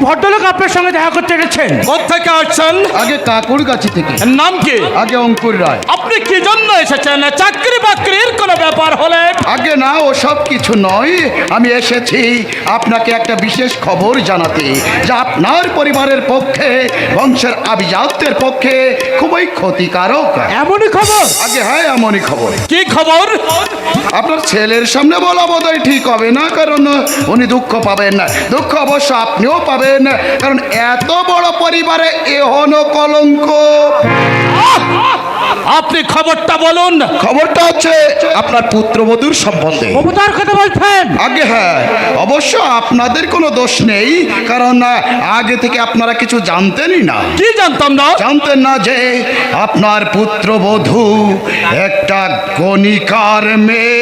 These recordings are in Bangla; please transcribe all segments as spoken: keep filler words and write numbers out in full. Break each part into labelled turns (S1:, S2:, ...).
S1: ভদ্রলোক আপনার সঙ্গে দেখা করতে এসেছেন।
S2: কোথেকে আসছেন?
S3: আগে কাকুরগাছি থেকে।
S2: নাম কি?
S3: আগে অঙ্কুর রায়।
S2: আপনি কি জন্য এসেছেন? চাকরি বাকরির কোনো ব্যাপার হলে?
S3: আগে না, ও সব কিছু নয়। আমি এসেছি আপনাকে একটা বিশেষ খবর জানাতে, যা আপনার পরিবারের পক্ষে, বংশের আভিজাত্যের পক্ষে খুবই ক্ষতিকারক।
S1: এমনই খবর?
S3: আগে হ্যাঁ, এমনই খবর।
S2: কি খবর?
S3: আপনার ছেলের সামনে বলা বোধহয় ঠিক হবে না, কারণ উনি দুঃখ পাবেন না। দুঃখ অবশ্য আপনিও পাবেন, কারণ এত বড় পরিবারে এহনো কলঙ্ক।
S2: আপনি খবরটা বলুন।
S3: খবরটা হচ্ছে আপনার পুত্রবধূর সম্বন্ধে।
S1: মমতার কথা বলছেন?
S3: আগে হ্যাঁ, অবশ্য আপনাদের কোনো দোষ নেই, কারণ আগে থেকে আপনারা কিছু জানতেনই না।
S2: কি জানতাম না?
S3: জানতেন না যে আপনার পুত্রবধূ একটা গণিকার মেয়ে।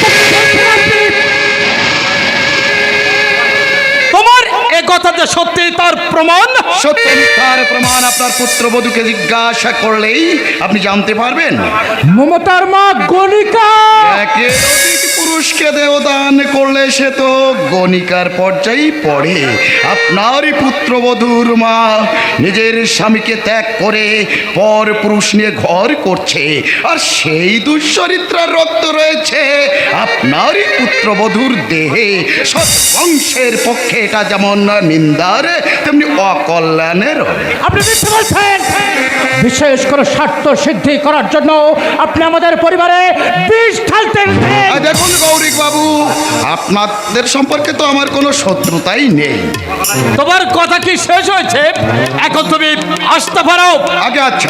S2: তোমার এ কথাতে সত্যি তার প্রমাণ?
S3: সত্যি তার প্রমাণ আপনার পুত্রবধূকে জিজ্ঞাসা করলেই আপনি জানতে পারবেন।
S1: মমতার মা গণিকা।
S3: একে অধিক পুরুষকে দেহদান করলে সে তো গণিকার পর্যায়েই পড়ে। আপনারই পুত্রবধূর মা নিজের স্বামীকে ত্যাগ করে পর পুরুষ নিয়ে ঘর করছে, আর সেই দুশ্চরিত্রার রক্ত রয়েছে আপনারই পুত্রবধূর দেহে। সৎ বংশের পক্ষে এটা যেমন নিন্দার, তেমনি অকল্যাণের।
S1: আপনি মিথ্যে বলছেন। বিশেষ করে স্বার্থ সিদ্ধি করার জন্য আপনি আমাদের পরিবারে বিষ ঢালতে এসেছেন।
S3: আর দেখুন গৌরিক বাবু, আপনাদের সম্পর্কে তো আমার কোনো শত্রুতাই নেই।
S2: তোমার কথা কি শেষ হয়েছে? এখন তুমি আসতে পারো।
S3: আগে আচ্ছা,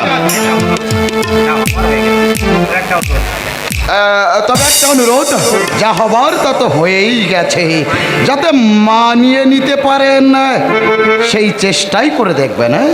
S3: আহ, তবে একটা অনুরোধ, যা হবার তা তো হয়েই গেছে, যাতে মানিয়ে নিতে পারেন সেই চেষ্টাই করে দেখবেন। হ্যাঁ,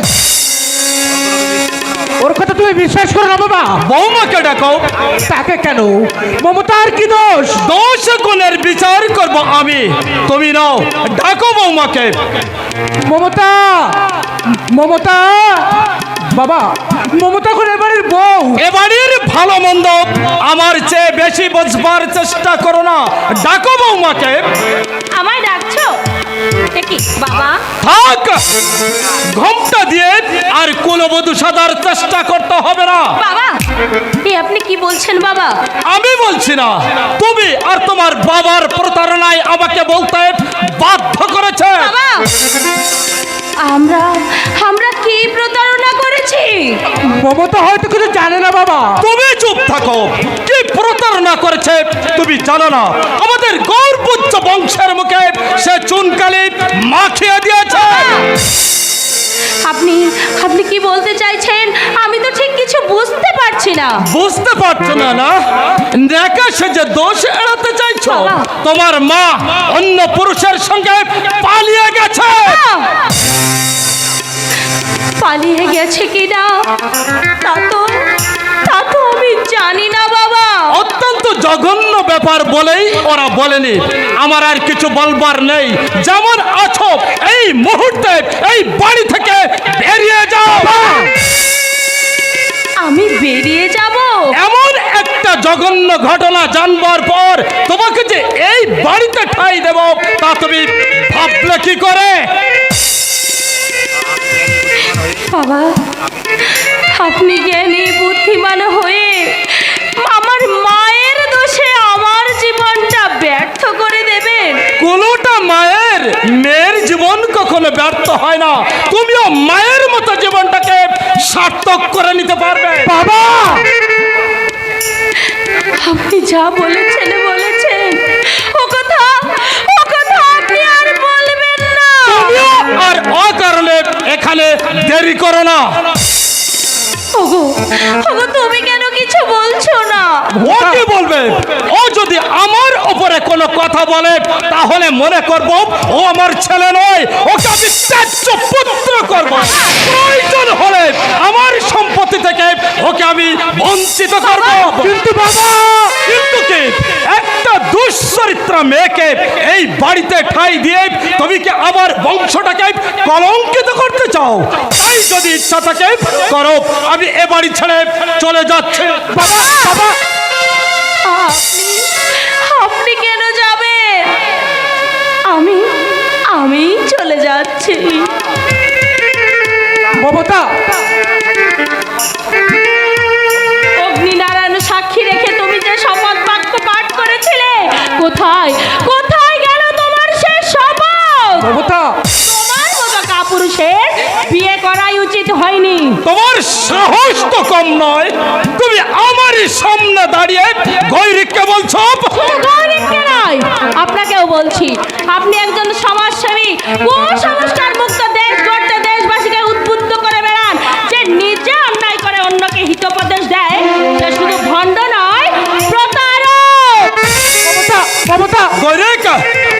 S1: ওর কথা তুমি বিশ্বাস করো না বাবা।
S2: বৌমাকে ডাকো।
S1: তাকে কেন? মমতার কি দোষ?
S2: দোষ গুণের বিচার করব আমি, তুমি নাও। ডাকো বৌমাকে।
S1: মমতা, মমতা বাবা, মমতা কোন এবারের বউ।
S2: এবাড়ির ভালো মন্দ আমার চেয়ে বেশি বুঝবার চেষ্টা করো না। ডাকো বৌমাকে।
S4: আমায় ডাকছো? কি বাবা?
S2: থাক, ঘোমটা দিয়ে আর কুলবধূ সাজার চেষ্টা করতে হবে না।
S4: বাবা, এ আপনি কি বলছেন বাবা?
S2: আমি বলছি না, তুমি আর তোমার বাবার প্রতারণায় আমাকে বলতে বাধ্য করেছে।
S4: বাবা, আমরা আমরা কি প্রতারণা করেছি?
S1: মমতা হয়তো কিছু জানে না বাবা।
S2: তুমি চুপ থাকো। কি প্রতারণা করেছে তুমি জানো না? আমাদের গৌরবোচ্চ বংশের মুখে সে চুনকালি মাখিয়ে দিয়েছে।
S4: আপনি আপনি কি বলতে চাইছেন? আমি তো ঠিক কিছু বুঝতে পারছি না।
S2: বুঝতে পারছো না? না দেখা সে যে দোষ এড়াতে চাইছো।
S4: বাবা।
S2: তোমার মা অন্য পুরুষের সঙ্গে পালিয়ে গেছে।
S4: পালিয়ে গেছে কিনা তা তো তা তো আমি জানি না বাবা।
S2: অত্যন্ত জঘন্য ব্যাপার বলেই ওরা বলেনি। আমার আর কিছু বলবার নেই। যেমন আছো এই মুহূর্তে এই বাড়ি থেকে বেরিয়ে যাও।
S4: আমি বেরিয়ে যাব?
S2: এমন একটা জঘন্য ঘটনা জানবার পর তোমাকে যে এই বাড়িতে ঠাঁই দেব তা তুমি ভাবলে কি করে?
S4: বাবা, আপনি জ্ঞানী বুদ্ধিমান হয়ে আমার মায়ের দোষে আমার জীবনটা ব্যর্থ করে দেবেন?
S2: কোনোটা মায়ের মেয়ের জীবন কখনো ব্যর্থ হয় না। তুমিও মায়ের মতো জীবনটাকে সার্থক করে নিতে পারবে।
S1: বাবা,
S4: আপনি যা বলেছেন বলেছেন, ও কথা ও কথা আপনি আর বলবেন না।
S2: তুমিও আর অকারণে এখানে দেরি করো না।
S4: ওগো ওগো, তুমি কেন কিছু বলছো না?
S2: ও কি বলবে? ও যদি আমার উপরে কোনো কথা বলে তাহলে মনে করব ও আমার ছেলে নয়, ওকে আমি ত্যায্য পুত্র করব। প্রয়োজন হলে আমার সম্পত্তি থেকে ওকে আমি বঞ্চিত করব।
S1: কিন্তু বাবা,
S2: কিন্তু কি একটা দুশ্চরিত্রা মেয়েকে এই বাড়িতে ঠাঁই দিয়ে তুমি কি আমার বংশটাকে কলঙ্কিত করতে চাও? তাই যদি ইচ্ছা থাকে করো, আমি এ বাড়ি ছেড়ে চলে যাচ্ছি।
S1: বাবা, বাবা,
S4: আপনি আপনি কেন যাবেন? আমি আমি চলে যাচ্ছি।
S1: মমতা,
S4: অগ্নিনারায়ণ সাক্ষী রেখে তুমি যে শপথ বাক্য পাঠ করেছিলে, কোথায় কোথায় গেল তোমার সে শপথ?
S1: মমতা,
S4: তোমার মতো কাপুরুষের বিয়ে করাই উচিত হয়নি।
S2: তোমার সাহস তো কম নয়, তুমি আমারই সামনে দাঁড়িয়ে গৈরিককে বলছো?
S4: শুধু গৌরীকে নয়, আপনাকেও বলছি। আপনি একজন সমাজসেবী, কুসংস্কার